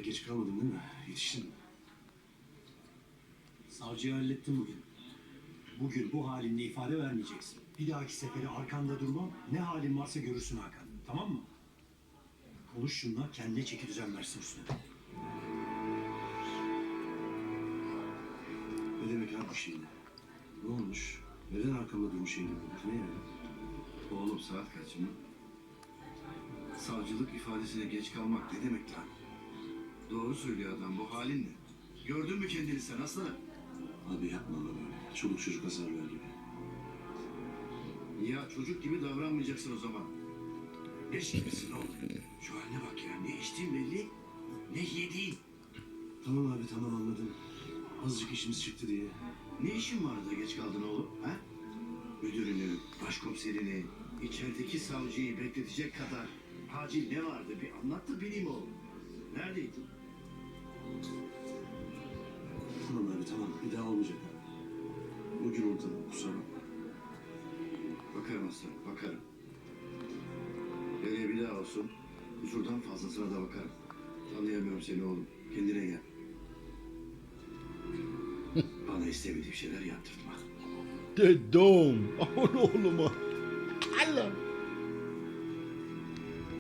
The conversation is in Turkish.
Geç kalmadın değil mi? Yetiştin mi? Savcıyı hallettim bugün. Bugün bu halinle ifade vermeyeceksin. Bir dahaki sefere arkanda durmam. Ne halin varsa görürsün Hakan. Tamam mı? Konuş şunla, kendine çeki düzen versin üstüne. Ne demek abi bu şimdi? Ne olmuş? Neden arkamda durmuş şeyini bulmuş? Ne yani? Oğlum saat kaç mı? Savcılık ifadesine geç kalmak ne demek lan? Doğru söylüyor adam, bu halin ne? Gördün mü kendini sen aslanım? Abi yapma ama böyle. Çoluk çocuk azarlar gibi. Ya çocuk gibi davranmayacaksın o zaman. Leş gibisin oğlum. Şu haline bak ya, ne içtiğin belli, ne yediğin. Tamam abi tamam anladım. Azıcık işimiz çıktı diye. Ne işin vardı da geç kaldın oğlum, ha? Müdürünü, başkomiserini, içerideki savcıyı bekletecek kadar acil ne vardı bir anlat da bileyim oğlum. Neredeydin? Tamam abi tamam. Bir daha olmayacak. Bugün ortada. Kusura bakma. Bakarım aslanım, bakarım. Nereye bir daha olsun, kusurdan fazlasına da bakarım. Tanıyamıyorum seni oğlum, kendine gel. Bana istemediğim şeyler yaptırtma. Dedim. Aman oğluma. Allah.